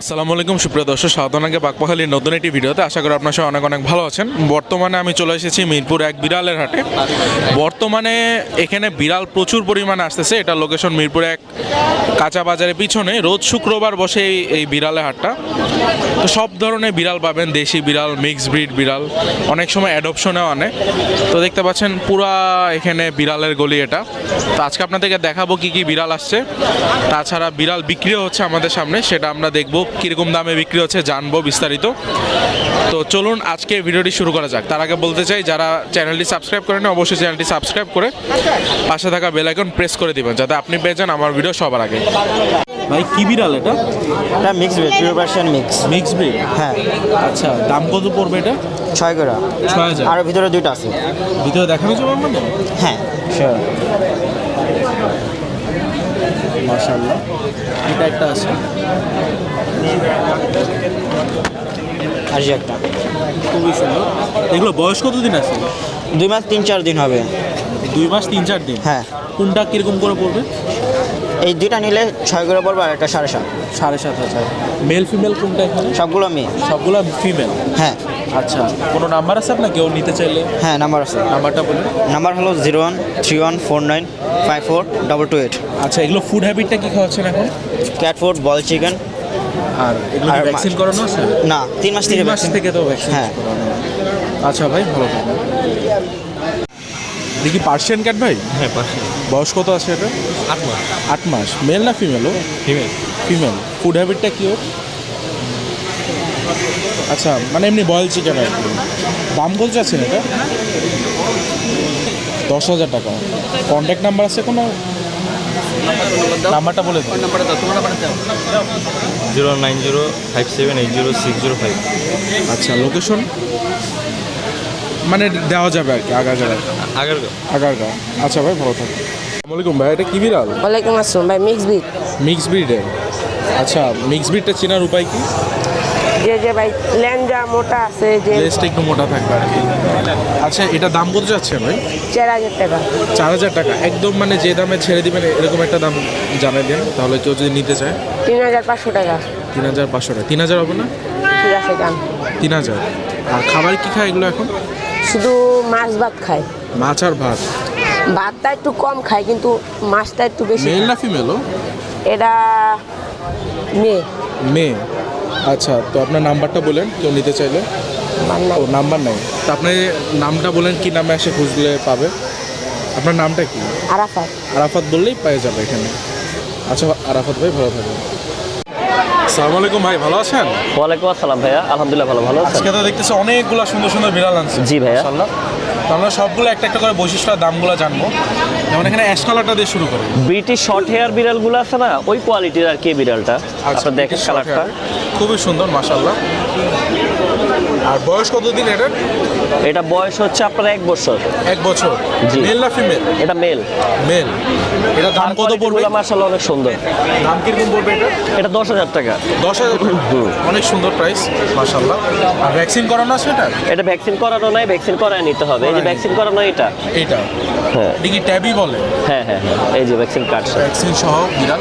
আসসালামু আলাইকুম সুপ্রিয় দর্শক, সাধনাকে বাকপাখালির নতুন একটি ভিডিওতে আশা করি আপনার সবাই অনেক অনেক ভালো আছেন। বর্তমানে আমি চলে এসেছি মিরপুর এক বিড়ালের হাটে। বর্তমানে এখানে বিড়াল প্রচুর পরিমাণে আসতেছে। এটা লোকেশন মিরপুর এক কাঁচা বাজারের পিছনে। রোজ শুক্রবার বসে এই বিড়ালের হাটটা। তো সব ধরনের বিড়াল পাবেন, দেশি বিড়াল, মিক্সড ব্রিড বিড়াল, অনেক সময় অ্যাডপশনেও আনে। তো দেখতে পাচ্ছেন পুরা এখানে বিড়ালের গলি এটা। তো আজকে আপনাদেরকে দেখাবো কি কি বিড়াল আসছে। তাছাড়া বিড়াল বিক্রিও হচ্ছে আমাদের সামনে, সেটা আমরা দেখবো কীরকম দামে বিক্রি হচ্ছে, জানবো বিস্তারিত। তো চলুন আজকে ভিডিওটি শুরু করা যাক। তার আগে বলতে চাই, যারা চ্যানেলটি সাবস্ক্রাইব করেন অবশ্যই চ্যানেলটি সাবস্ক্রাইব করে পাশে থাকা বেল আইকন প্রেস করে দিবেন, যাতে আপনি পেয়ে যান আমার ভিডিও সবার আগে। ভাই কি বিড়াল এটা? এটা mix breed, pure Persian mix. Mix breed, হ্যাঁ। আচ্ছা, দাম কত পড়বে এটা? 6 করে। 6000। আর ভিতরে দুইটা আছে। ভিতরে দেখানো যাবে মানে? হ্যাঁ শিওর। মাশাআল্লাহ, এটা একটা আছে। আর যে একটা খুবই সুন্দর। এগুলো বয়স কতদিন আছে? 2 মাস 3-4 দিন হবে। 2 মাস 3-4 দিন। হ্যাঁ। কোনটা কিরকম করে পড়বে? এই দুইটা নিলে 6 করে পড়বে, আর একটা 7.5। 7,500। মেল ফিমেল কোনটা এখানে? সবগুলো মেয়ে। সবগুলো ফিমেল। হ্যাঁ। আচ্ছা, কোনো নাম্বার আছে আপনার, কেউ নিতে চাইলে? হ্যাঁ নাম্বার আছে। নাম্বারটা বলুন। নাম্বার হলো 0131495428। আচ্ছা, এগুলো ফুড হ্যাবিটটা কি খাওয়াচ্ছেন এখন? ক্যাট ফুড, বল চিকেন। আর এগুলো আর ভ্যাকসিন করানো আছে? না, 3 মাস 3 থেকে মাস থেকে তো ভ্যাকসিন হ্যাঁ। করানো। আচ্ছা ভাই, ভালো থাকবেন। দেখি পার্সিয়ান ক্যাট ভাই। হ্যাঁ পার্সিয়ান। বয়স কত আছে এটা? 8 মাস। 8 মাস। মেল না ফিমেলও? ফিমেল। ফিমেল। ফুড হ্যাবিটটা কি ওর? আচ্ছা, মানে এমনি বয়েল চিকেন আর কি। দাম কত চাচ্ছেন এটা? 10,000 টাকা। কন্ট্যাক্ট নাম্বার আছে কোনো? নাম্বারটা বলে দিন। 09057806005। আচ্ছা, লোকেশন মানে দেওয়া যাবে আর কি, আগারগাঁও। আগারগাঁও। আচ্ছা ভাই, ভালো থাকবেন। আসসালামু আলাইকুম ভাই, এটা কি বিড়াল? ওয়ালাইকুম আসসালাম ভাই, মিক্স ব্রিড। মিক্স ব্রিডের। আচ্ছা, মিক্স ব্রিডটা চেনার উপায় কি? যে ভাই ল্যাঞ্জা মোটা আছে, যে লেজটা একটু মোটা থাকবে আর কি। আচ্ছা, এটা দাম কত যাচ্ছে ভাই? 4,000 টাকা। 4,000 টাকা। একদম মানে যে দামে ছেড়ে দিবেন এরকম একটা দাম জানাই দেন, তাহলে কেউ যদি নিতে চায়। 3,500 টাকা। 3,500 টাকা। 3,000 হবে না? ঠিক আছে যান। 3,000। আর খাবার কি খায় এগুলো এখন? শুধু মাছ ভাত খায়। মাছ আর ভাত। ভাতটা একটু কম খায়, কিন্তু মাছটা একটু বেশি মেল খায়। না ফিমেলও? এটা মেয়ে। মেয়ে। আচ্ছা, তো আপনার নাম্বারটা বলেন কেউ নিতে চাইলে। আমার নাই। ও, নাম্বার নাই। তো আপনি নামটা বলেন, কি নামে এসে খুঁজলে পাবে? আপনার নামটা কি? আরাফাত। আরাফাত বললেই পেয়ে যাবে এখানে। আচ্ছা আরাফাত ভাই, ভালো থাকবেন। আসসালামু আলাইকুম ভাই, ভালো আছেন? ওয়ালাইকুম আসসালাম ভাইয়া, আলহামদুলিল্লাহ ভালো আছেন? আজকে তো দেখতেছি অনেকগুলো সুন্দর সুন্দর বিড়াল আনছে। জি ভাইয়া। মাশাআল্লাহ। তো আমরা সবগুলো একটা একটা করে বৈশিষ্ট্য আর দামগুলো জানবো। যেমন এখানে অ্যাশ কালারটা দিয়ে শুরু করি। ব্রিটিশ শর্ট হেয়ার বিড়ালগুলো আছে না, ওই কোয়ালিটির আর কি বিড়ালটা। আচ্ছা, আপনার দেখেন কালারটা। খুবই সুন্দর মাশাআল্লাহ। আর বয়স কতদিন এটার? এটা বয়স হচ্ছে আপনার 1 বছর। 1 বছর। জি। মেল না ফিমেল? এটা মেল। মেল। এটা দাম কত পড়বে? মাশাআল্লাহ অনেক সুন্দর। দাম কিরকম পড়বে এটা? এটা 10,000 টাকা। 10,000। অনেক সুন্দর প্রাইস মাশাআল্লাহ। আর ভ্যাকসিন করানো আছে এটা? এটা ভ্যাকসিন করানো নাই, ভ্যাকসিন করায় নিতে হবে। এই যে ভ্যাকসিন করানো এটা। এইটা হ্যাঁ এটা কি ট্যাবি বলে? হ্যাঁ হ্যাঁ হ্যাঁ, এই যে ভ্যাকসিন কার্ডটা। ভ্যাকসিন সহ বিড়াল।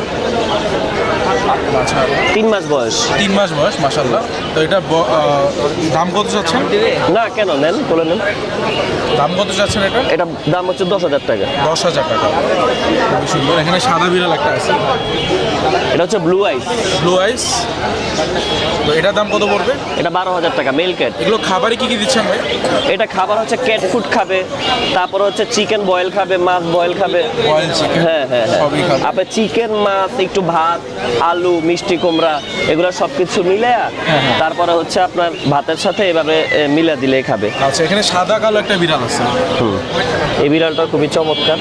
আচ্ছা, 3 মাস বয়স। 3 মাস বয়স মাশাআল্লাহ। তো এটা দাম কত চাচ্ছেন? না কেন, নেন বলে নেন। দাম কত চাচ্ছেন এটা? এটা দাম হচ্ছে 10,000 টাকা। 10,000 টাকা। খুবই সুন্দর। এখানে সাদা বিড়াল একটা আছে, এটা হচ্ছে ব্লু আইস। ব্লু আইস। তো এটার দাম কত পড়বে? এটা 12,000 টাকা, মেল ক্যাট। এগুলো খাবারে কি কি দিচ্ছেন ভাই? এটা খাবার হচ্ছে ক্যাট ফুড খাবে, তারপর হচ্ছে চিকেন বয়েল খাবে, মাছ বয়েল খাবে। Boil chicken. হ্যাঁ হ্যাঁ সবই খাবে। আপনার চিকেন, মাছ, একটু ভাত, আলু, মিষ্টি কুমড়া, এগুলো সব কিছু মিলে তারপরে হচ্ছে আপনার ভাতের সাথে এভাবে মিলে দিলেই খাবে। আচ্ছা, এখানে সাদা কালো একটা বিড়াল আছে। এই বিড়ালটা খুবই চমৎকার।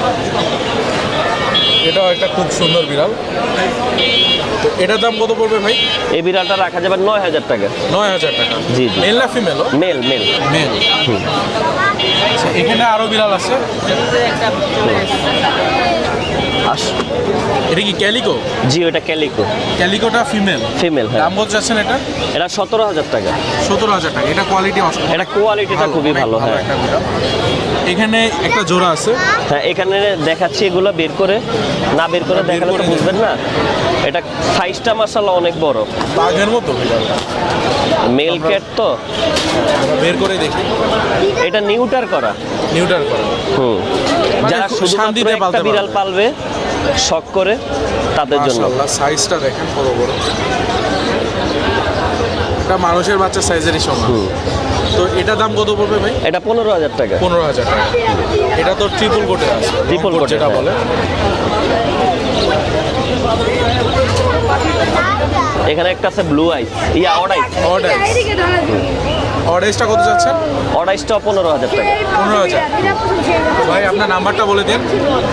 এটাও একটা খুব সুন্দর বিড়াল। তো এটার দাম কত পড়বে ভাই? এই বিড়ালটা রাখা যাবে 9,000 টাকা। 9,000 টাকা। জি জি। মেল না ফিমেলও? Male male. মেল। আচ্ছা, এখানে আরো বিড়াল আছে। এটা কি ক্যালিকো? জি, ওটা ক্যালিকো। ক্যালিকোটা ফিমেল। ফিমেল, হ্যাঁ। দাম কত যাচ্ছেন এটা? এটা 17,000 টাকা। 17,000 টাকা। এটা কোয়ালিটি অসাধারণ। এটা কোয়ালিটিটা খুবই ভালো, হ্যাঁ। একটা বিড়াল। এখানে একটা জোড়া আছে। হ্যাঁ, এখানে দেখাচ্ছি, এগুলো বের করে না বের করে দেখালে তো বুঝবেন না। এটা সাইজটা মাশাআল্লাহ অনেক বড়, বাঘের মতো বিড়াল। মেল ক্যাট তো। বের করে দেখি। এটা নিউটার করা। নিউটার করা। মানে যারা খুব শুধুমাত্র শান্তিতে একটা পালতে বিড়াল পালবে শখ করে, তাদের জন্য। মাশাআল্লাহ, সাইজটা দেখেন কত বড়। এটা মানুষের বাচ্চা সাইজেরই সমান। তো এটা দাম কত পড়বে ভাই? এটা 15,000 টাকা। 15,000 টাকা। এটা তো ট্রিপল কোটে আছে। ট্রিপল কোট যেটা বলে। এখানে একটা আছে ব্লু আইস, অড আইস। অর্ডাইসটা কত যাচ্ছেন? অড আইসটা 15,000 টাকা। 15,000। ভাই আপনার নাম্বারটা বলে দিন।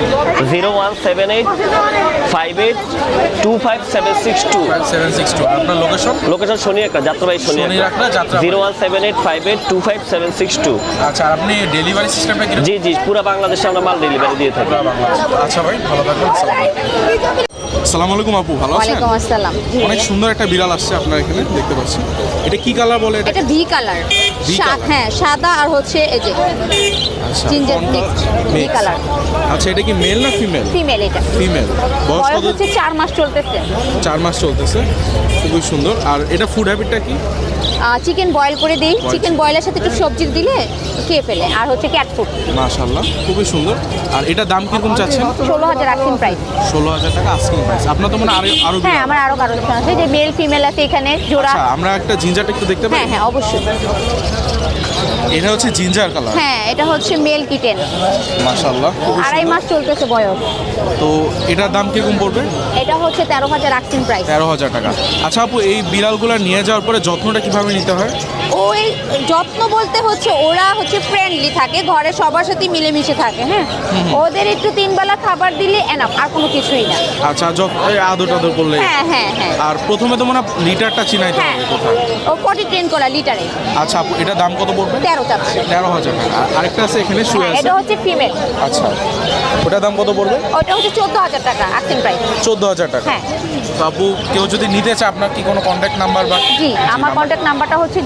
017858257762। 5762। আপনার লোকেশন? লোকেশন শনিয়াকড়া, যাত্রাবাড়ি শনিয়াকড়া, শনিয়াকড়া। যাত্রাবাড়ি। 017858257762। আচ্ছা, আর আপনি ডেলিভারি সিস্টেমটা কি? জি জি, পুরো বাংলাদেশে আমরা মাল ডেলিভারি দিয়ে থাকি। আচ্ছা ভাই, ভালো থাকবেন। আসসালামু আলাইকুম আপু, ভালো আছেন? ওয়ালাইকুম আসসালাম। জি অনেক সুন্দর একটা বিড়াল আসছে আপনার এখানে, দেখতে পাচ্ছি। এটা কি কালার বলে এটা? এটা ভি কালার। V color? হ্যাঁ, সাদা আর হচ্ছে এই যে আচ্ছা, জিঞ্জার ফর্মটা মিক্স ভি mix। কালার। আচ্ছা, এটা কি মেল না ফিমেল? ফিমেল এটা। ফিমেল। বয়স বয়স কত? হচ্ছে 4 মাস চলতেছে। 4 মাস চলতেছে। খুবই সুন্দর। আর এটা ফুড হ্যাবিটটা কি? চিকেন বয়েল করে দিই। চিকেন বয়েলের সাথে একটু সবজি দিলে খেয়ে ফেলে। আর হচ্ছে ক্যাট ফুড। মাশাআল্লাহ, খুবই সুন্দর। আর এটা দাম কিরকম চাচ্ছেন? 16,000 আস্কিং প্রাইস। 16,000 টাকা আস্কিং প্রাইস। আপনার তো মানে আরো হ্যাঁ, বিড়াল। আমার আরো কালেকশন আছে, যে মেল ফিমেল আছে এখানে জোড়া। আচ্ছা, আমরা একটা জিঞ্জারটা একটু দেখতে পাই? হ্যাঁ হ্যাঁ, অবশ্যই। এটা হচ্ছে জিঞ্জার কালার। হ্যাঁ, এটা হচ্ছে মেল কিটেন। মাশাআল্লাহ, খুবই 2.5 সুন্দর। মাস চলতেছে বয়স। তো এটার দাম কিরকম পড়বে? এটা হচ্ছে 13,000 আস্কিং প্রাইস। 13,000 টাকা। আচ্ছা আপু, এই বিড়ালগুলো নিয়ে যাওয়ার পরে যত্নটা কিভাবে নিতে হয়? ওই যত্ন বলতে হচ্ছে ওরা হচ্ছে ফ্রেন্ডলি থাকে, ঘরে সবার সাথে মিলেমিশে থাকে। হ্যাঁ, ওদের একটু 3 বেলা খাবার দিলে এনাফ, আর কোনো কিছুই না। আচ্ছা, এই আদর টাদর করলে। হ্যাঁ হ্যাঁ হ্যাঁ আর প্রথমে তো মনে হয় লিটারটা চিনাইতে হ্যাঁ, হবে কোথায়? ও পটি ট্রেন করা লিটারে। আচ্ছা আপু, এটা দাম কত পড়বে? 13 চাচ্ছে। 13,000 টাকা। আর আরেকটা আছে এখানে শুয়ে হ্যাঁ, আছে। এটা হচ্ছে ফিমেল। আচ্ছা, ওটার দাম কত পড়বে? ওটা হচ্ছে 14,000 টাকা আস্কিং প্রাইস। 14,000 টাকা। হ্যাঁ। তো আপু, কেউ যদি নিতে চায়, আপনার কি কোনো কন্ট্যাক্ট নাম্বার বা? জি, আমার কন্ট্যাক্ট নাম্বারটা হচ্ছে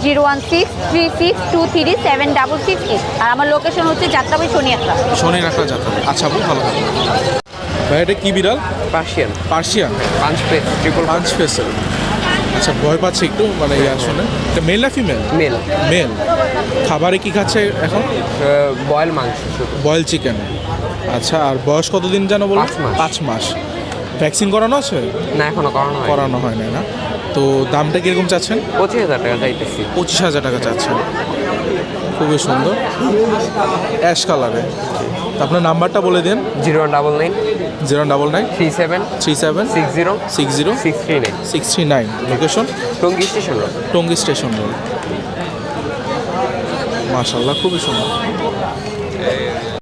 01636237668। আর আমার লোকেশন হচ্ছে যাত্রাবাড়ি শনিয়াকড়া। শনি রাখা যাবে। আচ্ছা আপু, ভালো থাকবেন। ভাই এটা কি বিড়াল? Persian Persian. পাঁচ পেস ট্রিপল পাঁচ ফেসের। আচ্ছা, ভয় পাচ্ছে একটু, মানে আসলে এটা মেল না ফিমেল? Male male. খাবারে কি খাচ্ছে এখন? বয়েল মাংস শুধু বয়েল চিকেন। আচ্ছা, আর বয়স কতদিন যেন বলুন? 5 মাস। 5 মাস। ভ্যাকসিন করানো আছে? না, এখনো করানো হয় করানো হয় না, না? তো দামটা কিরকম চাচ্ছেন? 25,000 টাকা চাইতেছি। 25,000 টাকা চাচ্ছেন। খুবই সুন্দর, অ্যাশ কালারে। তো আপনার নাম্বারটা বলে দিন। 099 099 37 37 60 60 639 639। Location? Tongi station road. Tongi station road. মাশাআল্লাহ, খুবই সুন্দর।